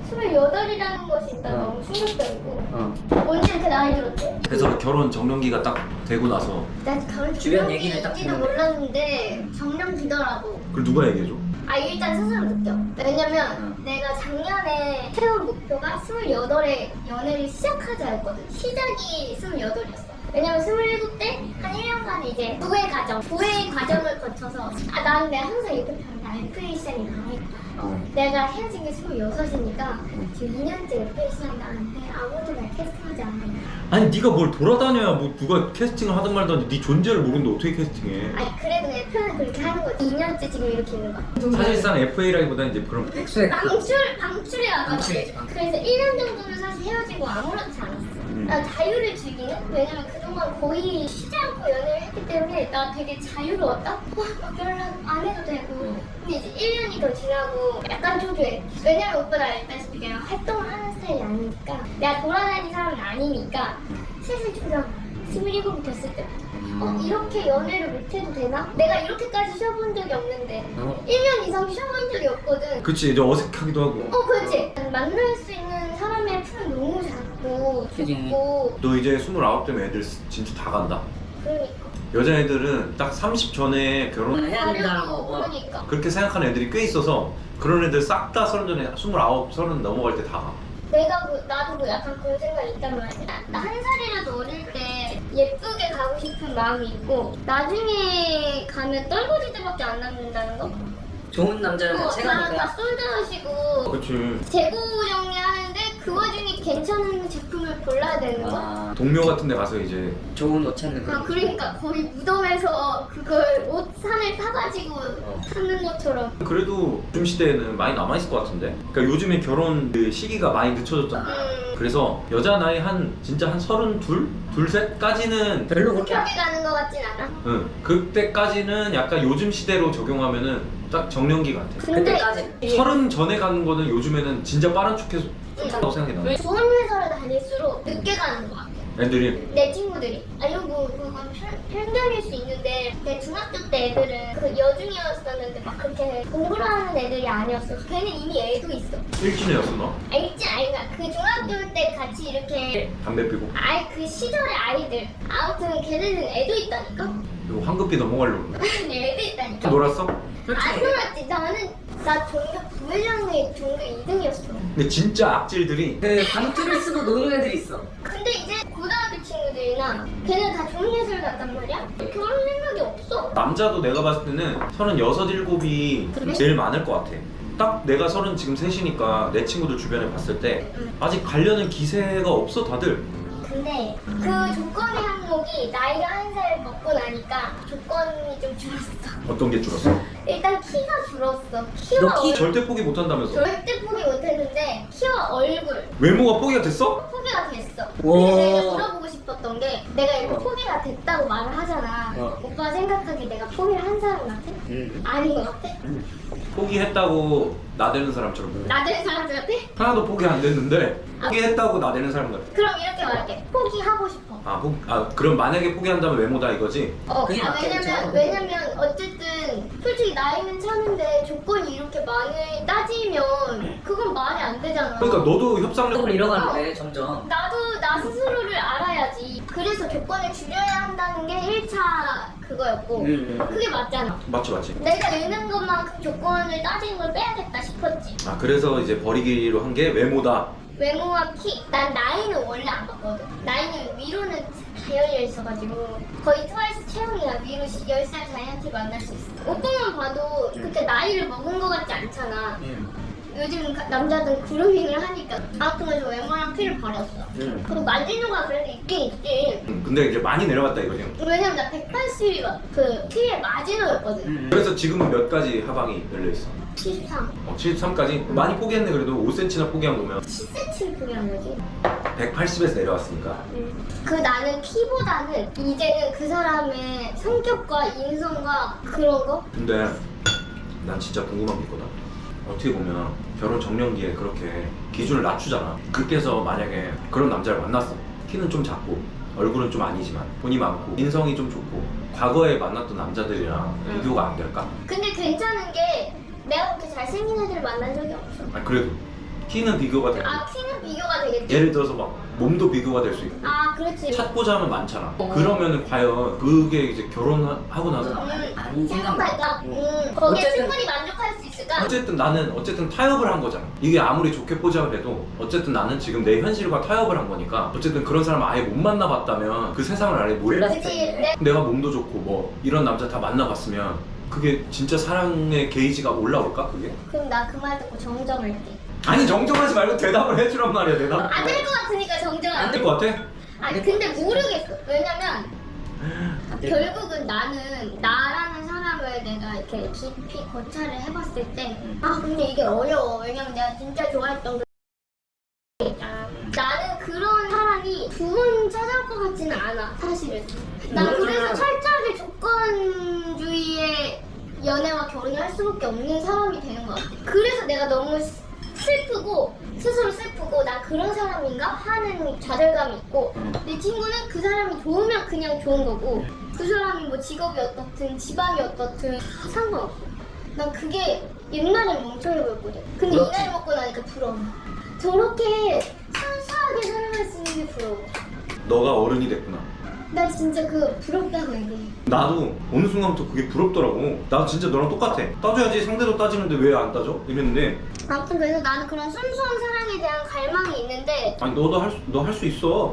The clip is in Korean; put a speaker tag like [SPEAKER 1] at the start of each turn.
[SPEAKER 1] 28이라는 것이 일단 너무 충격적이고 언제 이렇게 나이 들었대?
[SPEAKER 2] 그래서 결혼 정년기가 딱 되고 나서
[SPEAKER 1] 난 결혼
[SPEAKER 3] 주변 얘기를 딱
[SPEAKER 1] 정년기인지도
[SPEAKER 3] 듣는데.
[SPEAKER 1] 몰랐는데 정년기더라고.
[SPEAKER 2] 그걸 누가 얘기해줘?
[SPEAKER 1] 아 일단 스스로 느껴. 왜냐면 내가 작년에 세운 목표가 28에 연애를 시작하자였거든. 시작이 28이었어. 왜냐면 27때 한 1년간 이제 부회 과정을 거쳐서 나는 내가 항상 이렇게 표현해. FA 시장이 나와있다. 내가 헤어진 게 26이니까 지금 2년째 FA 시장이 나왔는데 아무도 날 캐스팅하지 않아.
[SPEAKER 2] 아니 네가 뭘 돌아다녀야 뭐 누가 캐스팅을 하든 말든 네 존재를 모르는데 어떻게 캐스팅해?
[SPEAKER 1] 아니 그래도 내 표현을 그렇게 하는 거지. 2년째 지금 이렇게 있는 거야.
[SPEAKER 2] 사실상 FA라기보다는 이제 그런
[SPEAKER 3] 백수의
[SPEAKER 1] 방출해 와가지고.
[SPEAKER 3] 방출이지, 방출.
[SPEAKER 1] 그래서 1년 정도는 사실 헤어지고 아무렇지 않았어. 나 자유를 즐기는? 왜냐면 그동안 거의 쉬지 않고 연애를 했기 때문에 나 되게 자유로웠다? 막 연락 안 해도 되고. 근데 이제 1년이 더 지나고 약간 초조해. 왜냐면 오빠가 알다시피 내가 활동을 하는 스타일이 아니니까 내가 돌아다니는 사람은 아니니까 슬슬 초조. 27이 됐을 때 이렇게 연애를 못해도 되나? 내가 이렇게까지 쉬어본 적이 없는데 1년 이상 쉬어본 적이 없거든.
[SPEAKER 2] 그치 이제 어색하기도 하고.
[SPEAKER 1] 그렇지. 만날 수 있는 사람의 풀은 너무 작고 좁고.
[SPEAKER 2] 너 이제 29 되면 애들 진짜 다 간다.
[SPEAKER 1] 그러니까.
[SPEAKER 2] 여자애들은 딱 30 전에 결혼
[SPEAKER 3] 해야 된다는
[SPEAKER 1] 하려고
[SPEAKER 3] 거.
[SPEAKER 1] 그러니까.
[SPEAKER 2] 그렇게 생각하는 애들이 꽤 있어서 그런 애들 싹 다 30 전에 29, 30 넘어갈 때 다 가.
[SPEAKER 1] 나도 약간 그런 생각이 있단 말이야. 나 한 살이라도 어릴 때 예쁘게 가고 싶은 마음이 있고 나중에 가면 떨거지들밖에 안 남는다는 거?
[SPEAKER 3] 좋은 남자를
[SPEAKER 1] 다
[SPEAKER 3] 체가니까.
[SPEAKER 1] 솔드하시고
[SPEAKER 2] 그치.
[SPEAKER 1] 재고 정리하는데 그 와중에 괜찮은 제품을 골라야 되는 거?
[SPEAKER 2] 동묘 같은 데 가서 이제
[SPEAKER 3] 좋은 옷 찾는 거.
[SPEAKER 1] 그러니까 거의 무덤에서 그걸 옷 산을 타가지고 찾는 것처럼.
[SPEAKER 2] 그래도 요즘 시대에는 많이 남아있을 것 같은데. 그러니까 요즘에 결혼 그 시기가 많이 늦춰졌잖아. 그래서 여자 나이 진짜 한 32? 둘셋까지는
[SPEAKER 3] 별로 그렇게
[SPEAKER 1] 그렇게 가는 것 같진 않아.
[SPEAKER 2] 응. 그때까지는 약간 요즘 시대로 적용하면은 딱 정년기 같아.
[SPEAKER 3] 그때까지.
[SPEAKER 2] 30 전에 가는 거는 요즘에는 진짜 빠른 척해서 좋다고 생각이 나.
[SPEAKER 1] 좋은 회사를 다닐수록 늦게 가는 것 같아.
[SPEAKER 2] 애들이
[SPEAKER 1] 내 친구들이. 이거 그건 편견일 수 있는데 내 중학교 때 애들은 그 여중이었었는데 막 그렇게 공부를 하는 애들이 아니었어. 걔는 이미 애도 있어.
[SPEAKER 2] 일진애였어 너?
[SPEAKER 1] 알지? 아이가 그 중학교 때 같이 이렇게
[SPEAKER 2] 담배 피고.
[SPEAKER 1] 그 시절의 아이들. 아무튼 걔네는 애도 있다니까.
[SPEAKER 2] 이거 황급히 넘어가려고 그래.
[SPEAKER 1] 애도 있다니까.
[SPEAKER 2] 놀았어?
[SPEAKER 1] 안 놀았지. 나 종교 부회장의 종교 2등이었어.
[SPEAKER 2] 근데 진짜 악질들이
[SPEAKER 3] 그 방투를 쓰고 노는 애들이 있어.
[SPEAKER 1] 근데 이제 고등학교 친구들이나 걔는 다 좋은 예술 갔단 말이야? 결혼 생각이 없어.
[SPEAKER 2] 남자도 내가 봤을 때는 36, 7이
[SPEAKER 1] 그래?
[SPEAKER 2] 제일 많을 것 같아. 딱 내가 30 지금 셋이니까 내 친구들 주변에 봤을 때 아직 가려는 기세가 없어 다들.
[SPEAKER 1] 근데 그 조건의 항목이 나이가 한 살 먹고 나니까 조건이 좀 줄었어.
[SPEAKER 2] 어떤 게 줄었어?
[SPEAKER 1] 일단 키가 줄었어.
[SPEAKER 3] 너
[SPEAKER 1] 키와
[SPEAKER 3] 키
[SPEAKER 2] 절대 포기 못한다면서.
[SPEAKER 1] 절대 포기 못했는데 키와 얼굴
[SPEAKER 2] 외모가 포기가 됐어?
[SPEAKER 1] 포기가 됐어.
[SPEAKER 3] 와.
[SPEAKER 1] 근데 내가 물어보고 싶었던 게 내가 이렇게 포기가 됐다고 말을 하잖아. 오빠 생각하기에 내가 포기를 한 사람 같아? 아닌 것 같아?
[SPEAKER 2] 포기했다고 나대는 사람처럼.
[SPEAKER 1] 나দের 사람들 같아?
[SPEAKER 2] 하나도 포기 안 됐는데 포기했다고 나대는 사람 같아.
[SPEAKER 1] 그럼 이렇게 말할게. 포기하고 싶어.
[SPEAKER 2] 그럼 만약에 포기한다면 외모다 이거지?
[SPEAKER 3] 그게 맞겠죠.
[SPEAKER 1] 왜냐면 어쨌든 솔직히 나이는 차는데 조건이 이렇게 많이 따지면 그건 말이 안 되잖아.
[SPEAKER 2] 그러니까 너도 협상력
[SPEAKER 3] 조금 잃어가는데 점점.
[SPEAKER 1] 나도 나 스스로를 알아야지. 그래서 조건을 줄여야 한다는 게 1차 그거였고 그게 맞잖아.
[SPEAKER 2] 맞지.
[SPEAKER 1] 내가 읽는 것만큼 조건을 따지는 걸 빼야겠다 싶었지.
[SPEAKER 2] 그래서 이제 버리기로 한 게 외모다.
[SPEAKER 1] 외모와 키. 난 나이는 원래 안 봤거든. 나이는 위로는 다 열려 있어가지고 거의 트와이스 체형이야. 위로 10살 자이언티 만날 수 있어. 오빠만 봐도 그렇게 나이를 먹은 것 같지 않잖아. 요즘 남자들 그루밍을 하니까. 아무튼 그래서 외모랑 키를 버렸어. 그리고 만지누가 그래도 있긴 있지.
[SPEAKER 2] 근데 이제 많이 내려갔다 이거지.
[SPEAKER 1] 왜냐면 나 180이 그 키의 마지노였거든.
[SPEAKER 2] 그래서 지금은 몇 가지 하방이 열려 있어.
[SPEAKER 1] 73.
[SPEAKER 2] 73까지 많이 포기했네. 그래도 5cm나 포기한 거면
[SPEAKER 1] 10cm를 포기한 거지.
[SPEAKER 2] 180에서 내려왔으니까.
[SPEAKER 1] 그 나는 키보다는 이제는 그 사람의 성격과 인성과 그런 거?
[SPEAKER 2] 근데 난 진짜 궁금한 게 있거든. 어떻게 보면 결혼 정년기에 그렇게 기준을 낮추잖아. 그때서 만약에 그런 남자를 만났어. 키는 좀 작고 얼굴은 좀 아니지만 돈이 많고 인성이 좀 좋고 과거에 만났던 남자들이랑 비교가 안 될까?
[SPEAKER 1] 근데 괜찮은 게 내가 그렇게 잘생긴 애들을 만난 적이 없어.
[SPEAKER 2] 그래도 키는 비교가 돼.
[SPEAKER 1] 아 키는 비교가 되겠지.
[SPEAKER 2] 예를 들어서 막 몸도 비교가 될 수 있고
[SPEAKER 1] 아 그렇지.
[SPEAKER 2] 찾고자 하면 많잖아.
[SPEAKER 3] 어.
[SPEAKER 2] 그러면은 과연 그게 이제 결혼하고 나서
[SPEAKER 3] 아닌
[SPEAKER 1] 생각할까?
[SPEAKER 3] 생각이야.
[SPEAKER 1] 거기에
[SPEAKER 3] 어쨌든-
[SPEAKER 1] 충분히 만족할 수 있을까?
[SPEAKER 2] 어쨌든 나는 타협을 한 거잖아. 이게 아무리 좋게 보자고 해도 어쨌든 나는 지금 내 현실과 타협을 한 거니까 어쨌든 그런 사람 아예 못 만나봤다면 그 세상을 아예 몰랐을
[SPEAKER 1] 그치.
[SPEAKER 2] 때 내가 몸도 좋고 뭐 이런 남자 다 만나봤으면 그게 진짜 사랑의 게이지가 올라올까 그게?
[SPEAKER 1] 그럼 나 그 말 듣고 정정할게.
[SPEAKER 2] 아니 정정하지 말고 대답을 해주란 말이야. 대답
[SPEAKER 1] 안 될 것 같으니까
[SPEAKER 2] 안
[SPEAKER 1] 정정할게.
[SPEAKER 2] 될 것 같아?
[SPEAKER 1] 아니 근데 모르겠어. 왜냐면
[SPEAKER 3] 안 돼.
[SPEAKER 1] 결국은 나는 나라는 사람을 내가 이렇게 깊이 거찰을 해봤을 때 아 근데 이게 어려워. 왜냐면 내가 진짜 좋아했던 그 있잖아. 나는 그런 사람이 두 번 찾아올 것 같지는 않아 사실은. 난 그래서 철저하게 조건주의의 연애와 결혼을 할 수밖에 없는 사람이 되는 것 같아. 그래서 내가 너무 슬프고 스스로 슬프고 난 그런 사람인가 하는 좌절감이 있고 내 친구는 그 사람이 좋으면 그냥 좋은 거고 그 사람이 뭐 직업이 어떻든 지방이 어떻든 상관없어. 난 그게 옛날엔 멍청해 보였거든. 근데 이
[SPEAKER 3] 그렇지.
[SPEAKER 1] 나이 먹고 나니까 부러워. 저렇게 순수하게 살아갈 수 있는 게 부러워.
[SPEAKER 2] 너가 어른이 됐구나.
[SPEAKER 1] 나 진짜 그 부럽다고 얘기해.
[SPEAKER 2] 나도 어느 순간부터 그게 부럽더라고. 나 진짜 너랑 똑같아. 따져야지 상대도 따지는데 왜 안 따져? 이랬는데
[SPEAKER 1] 아무튼 그래서 나는 그런 순수한 사랑에 대한 갈망이 있는데
[SPEAKER 2] 아니 너 할 수 있어.